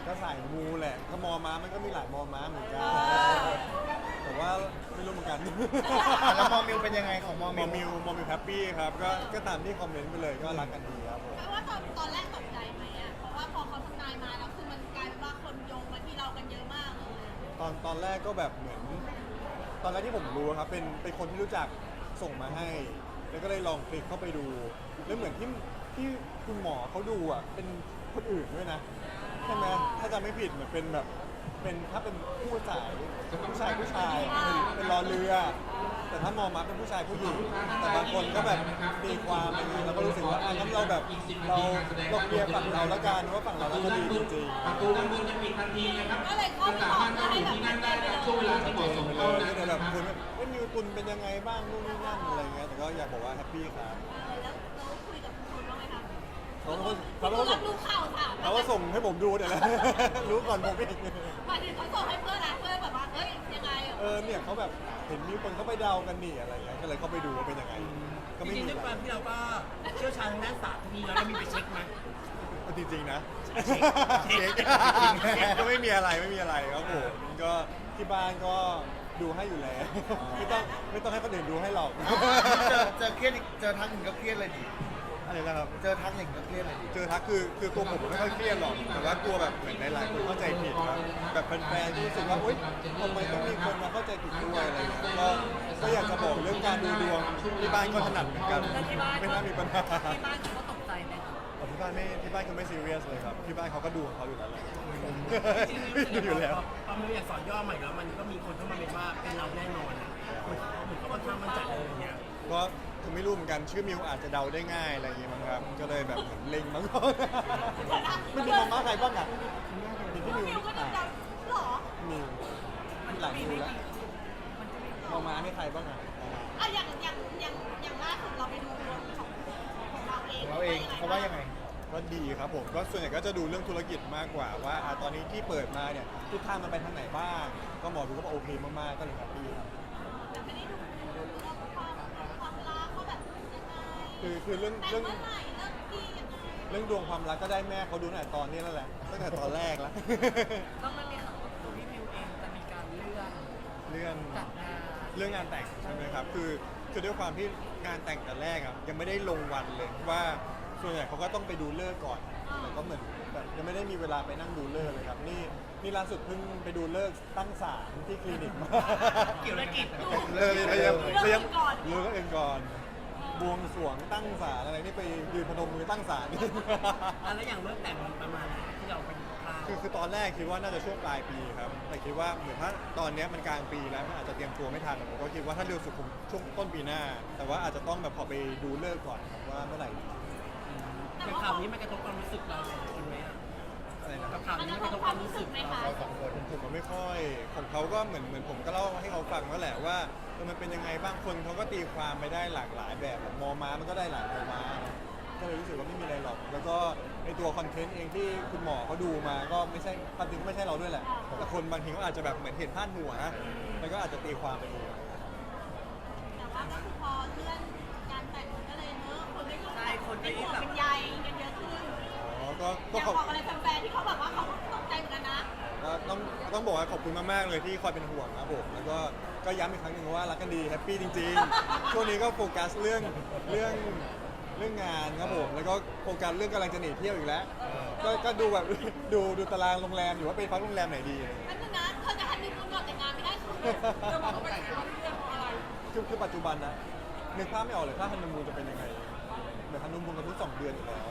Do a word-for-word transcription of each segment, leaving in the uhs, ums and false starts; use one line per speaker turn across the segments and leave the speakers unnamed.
ก็สายมูแหละก็มอม้ามันก็มีหลายมอม้าเหมือนกันแต่ว่าไม่รู้เหมือนกัน
แล้วมอมิวเป็นยังไงของมอ
ม
มิ
อ
ว
มิวมอมิวแฮปปี้ครับก็ก็ตามที่คอมเมนต์ไปเลยก็รักกันดีครับผม
แปลว่าตอนตอนแรกตกใจไหมอ่ะเพราะว่าพอเขาทำนายมาแล้วคือมันกลายเป็นว่าคนโยงมาที่เรากันเยอะมากเลย
ตอนตอนแรกก็แบบเหมือน ตอนแรกที่ผมรู้ครับเป็นเป็นคนที่รู้จักส่งมาให้ แล้วก็เลยลองคลิกเข้าไปดู แล้วเหมือนที่ที่คุณหมอเขาดูอ่ะเป็นคนอื่นด้วยนะใช่ไหมถ้าจำไม่ผิดเหมือนเป็นแบบเป็นถ้าเป็นผู้ชายผู้ชายผู้ชายเป็นเป็นรอเรือ แต่ถ้ามองมาเป็นผู้ชายผู้หญิงแต่บางคนก็แบบตีความอะไรอย่างนี้เราก็รู้สึกว่าอ่ะงั้นเราแบบเราเราเคลียร์ฝั่งเราแล้วกันว่าฝั่งเราแล้วก็ดีจริงๆ
ประตูด้านบนจะปิดทันทีนะครับ
ก็เลยเข้า
จะ
ไป
สา
บอ
มาก รถ
เพื่อ
นั่ง
ให้
อยู่
แบบ
ที่
มั่
นั่
น
น
ใจ
ได้
ไป
ใน
เลย
ช่วงเวลาที่เหมาะสมเท่านั้น
ก็
นะ
แบบ
ครับ
คุณไม่มิวตุนเป็นยังไงบ้างนู่นนี่นั่นอะไรเงี้ยแต่ก็อยากบอกว่าแฮปปี้ครับ
เออแล้วเราคุยกับคุณบ้างไหมคะ
เขาก็
คุ
เขา
ณ
ก็
รั
ส่
บ
ง
รู้ข่าวค่ะ
เขาก็ส่งให้ผมดูเนี่ยแหละ รู้ก่อนผมอีก
หมายถึงเขาส่งให้เพื่อนนะเพื่อนแบบว่าเฮ้ยยังไง
เออเนี่ยเขาแบบเห็นมีคนเขาไปเดากันนี่อะไรเงี้ยก็เลยเข้าไปดูว่าเป็นยังไงก็
จ
ไม่
ริง
มี
ๆด้วย
อะ
ค
ไร
วามที่เราก็เชี่ยวชาญทางด้านศาสตร์มีแล้วเรามีไปเช็คไหม
จริงๆนะ
เช็ค
เช็คก็ไม่มีอะไรไม่มีอะไรครับผมก็ที่บ้านก็ดูให้อยู่แล้วไม่ต้องไม่ต้องให้คนอื่นดูให้หรอก
เจอเจอเครียดอีกเจอทักหนึ่งก็เครียดเลยดิ
อะไรนะครับ
เจอทักหนึ่งก็เครียดเลยดิ
เจอทักคือคือตัวผมไม่ค่อยเครียดหรอกแต่ว่ากลัวแบบเหมือนหลายๆคนเข้าใจผิดครับแบบแฟนๆที่รู้สึกว่าอุ๊ยทำไมต้องมีคนมาเข้าใจผิดด้วยอะไรเงี้ยก็ก็อยากจะบอกเรื่องการดูดวงที่บ้านก็ถนัดเหมือนกันไม่น่ามีปัญหา
ที่บ้านเขาตกใจไหม
แต่ที่บ้านไม่ที่บ้านเขาไม่ซีเรียสเลยครับที่บ้านเขาก็ดูของเขาอยู่แล้วแหละ
จริงๆ
ดูอยู่แล้ว
พอมันอยากสอนย่อใหม่แล้วมันก็มีคนเข้ามาเป็นว่าเป็นเราแน่นอนอะเหมือนเหมือนเขาค่อนข้างมั่นใจเลยอย่างเงี้ย
ก็คือไม่รู้เหมือนกันชื่อมิวอาจจะเดาได้ง่ายอะไรอย่างงี้มั้งครับก็เลยแบบเหมือนเล็งมั้ง ไม่มีมองมาใครบ้างอ่ะมีที่มิว
มิวก็
อ่ะ
ดำๆหรอ
มิวมีหลายมิวแล้วมองมาให้ใครบ้างอ่ะ
อ่ะอย่างอย่างอย่างอย่างล่าสุดเราไปดูดวงของของเราเอง
ของเราเองเขาว่ายังไง
ก็ดีครับผมก็ส่วนใหญ่ก็จะดูเรื่องธุรกิจมากกว่าว่าอ่ะตอนนี้ที่เปิดมาเนี่ยทิศทางมันไปทางไหนบ้าง ก็หมอดูก็บอกโอเคมากๆก็เลยแฮปปี้ครับ
แต่ไม่ได้ดูเรื่องความความรักว่าแบบยังไง
คือคือเรื่อง
แต่ง
เรื่อง
เมื่อไหร่เลิกดียังไง
เรื่องดวงความรักก็ได้แม่เขาดูตั้งแต่ตอนนี้แล้วแหละตั้งแต่ตอนแรกแล้ว
ก็มันมีข่าวว่าตัวพี่มิวเองจะมีการเลื่อน
เรื่อง
จัดงาน
เรื่องงานแต่งใช่ไหมครับคือคือด้วยความที่งานแต่งแต่แรกอ่ะยังไม่ได้ลงวันเลยว่าส่วนใหญ่เขาก็ต้องไปดูเลิกษ์ก่อนแต่ก็เหมือนแบบยังไม่ได้มีเวลาไปนั่งดูเลิกษ์เลยครับนี่นี่ล่าสุดเพิ่งไปดูเลิกษ์ตั้งศาลที่คลินิกมา
เกี่ยวอะไรกิจ
เลิกพยายามพยายามเลิกเองก่อนบวงสรวงตั้งศาลอะไรนี่ไปยืนพนมมือตั้งศาล
อ่ะแล้วอย่างเรื่องแต่งมันประมาณไหนที่เราเป็นคราว
คือคือตอนแรกคิดว่าน่าจะช่วงปลายปีครับ แต่คิดว่าเหมือนถ้าตอนเนี้ยมันกลางปีแล้วมันอาจจะเตรียมตัวไม่ทันผมก็คิดว่าถ้าเร็วสุดคงช่วงต้นปีหน้า แต่ว่าอาจจะต้องแบบพอไปดูเลิกษ์ก่อนครับว่าเมื่อไหร่
อย่างข่าวนี้มันกระทบความรู้สึกเราสองคนไหมอ่ะ
อะไรนะค
กั
รั
บบ ข่าวนี้มันกระทบความรู้สึกเรา
เราสองคน
ผมก็ไม่ค่อยของเขาก็เหมือนเหมือนผมก็เล่าให้เขาฟังแล้วแหละว่าเออมันเป็นยังไงบ้างคนเขาก็ตีความไปได้หลากหลายแบบแบบมอม้ามันก็ได้หลายมอม้าก็เลยรู้สึกว่าไม่มีอะไรหรอก แล้วก็ในตัวคอนเทนต์เองที่คุณหมอเขาดูมาก็ไม่ใช่ความจริงก็ไม่ใช่เราด้วยแหละแต่คนบางทีก็อาจจะแบบเหมือนเห็นพาดหัวนะมันก็อาจจะตีความไปเอง
แต่ว่าก็คือพอเลื่อนการแต่งมันก็เลยเนอะคนไม่รู้
ใช่คนก็
เป็น
ยิ่
ห่
ง
วง
แบบ
เป็นใยกันเยอะขึ้น
อ๋อก็ก็
อยาก
ขอบ
บอกอะไรแฟนๆที่เขาแบบว่าเขาตกใจเหมือนกันนะ
ก็ต้องต้องบอกว่าขอบคุณมากๆเลยที่คอยเป็นห่วงครับผมแล้วก็ก็ย้ำอีกครั้งหนึ่งว่ารักกันดีแฮปปี้จริงๆช่วงนี้ก็โฟกัสเรื่องเรื่องเรื่องงานครับผมแล้วก็โฟกัสเรื่องกำลังจะหนีเที่ยวอีกแล้ว ก็ก็ดูแบบ ดูดูตารางโรงแรมอยู่ว่าไปพักโรงแรมไหนดีอะไรอย่างเงี้ย
นั่นนึงนะเธอจะฮันนีมูนก่อนแต่งงานไม่ได้คือจะบอกว่าไปเรื่องอะไร
คือคือปัจจุบันนะนึกภาพไม่ออกเลยถ้าฮันนีมูนจะเป็นยังไงเหมือนฮันนีมูนกันทุกสองเดือนอยู่แล้ว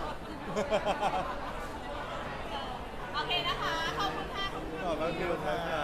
โอเคนะคะ ขอบคุณค่ะขอบคุณ
ขอบคุณครับ